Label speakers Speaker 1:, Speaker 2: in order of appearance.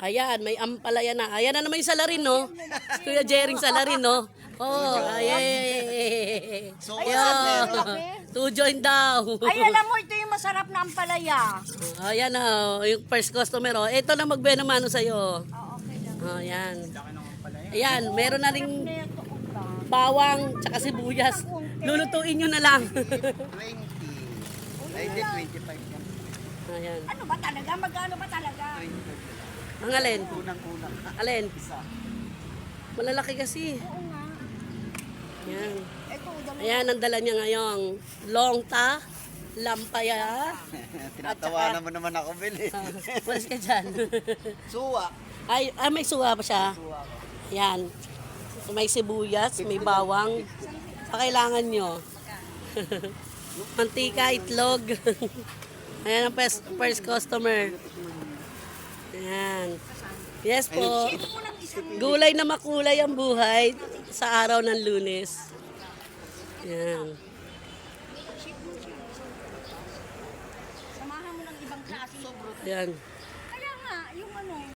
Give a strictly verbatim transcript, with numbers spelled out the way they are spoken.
Speaker 1: Ayan, may ampalaya na. Ayan na naman yung salarin, no? Kuya Jering salarin, no? Oh, ayan.
Speaker 2: So,
Speaker 1: Ayan. Two join daw.
Speaker 3: Ay, alam mo, ito yung masarap na ampalaya.
Speaker 1: Ayan na, yung first customer, oh. Ito na magbenamano sa'yo.
Speaker 3: Oh, okay lang.
Speaker 1: Oh, ayan. Ayan, meron na ring
Speaker 3: Ito, upa.
Speaker 1: bawang tsaka sibuyas. Lulutuin nyo na lang.
Speaker 2: twenty. Ay, hindi, twenty-five yan.
Speaker 1: Ayan.
Speaker 3: Ano ba talaga? Magkano ba talaga?
Speaker 2: twenty-five.
Speaker 1: Ang alin?
Speaker 2: Unang-unang.
Speaker 1: Alin?
Speaker 2: Isa.
Speaker 1: Malalaki kasi.
Speaker 3: Oo nga.
Speaker 1: Ayan.
Speaker 3: Ito, dalawa.
Speaker 1: Ayan, ang dala niya ngayong longta, lampaya.
Speaker 2: Tinatawanan mo naman ako, Bill.
Speaker 1: Ah, Walis ka dyan.
Speaker 2: Suwa.
Speaker 1: Ay, ah, may suwa pa siya.
Speaker 2: Suwa ko.
Speaker 1: Ayan. May sibuyas, may bawang. Pakailangan nyo. Mantika, itlog. Ayan ang first, first customer. Ayan. Yes po. Gulay na makulay ang buhay sa araw ng Lunes. Ayan.
Speaker 3: Samahan mo ng ibang klase.
Speaker 1: Ayan.
Speaker 3: Kaya nga, yung ano,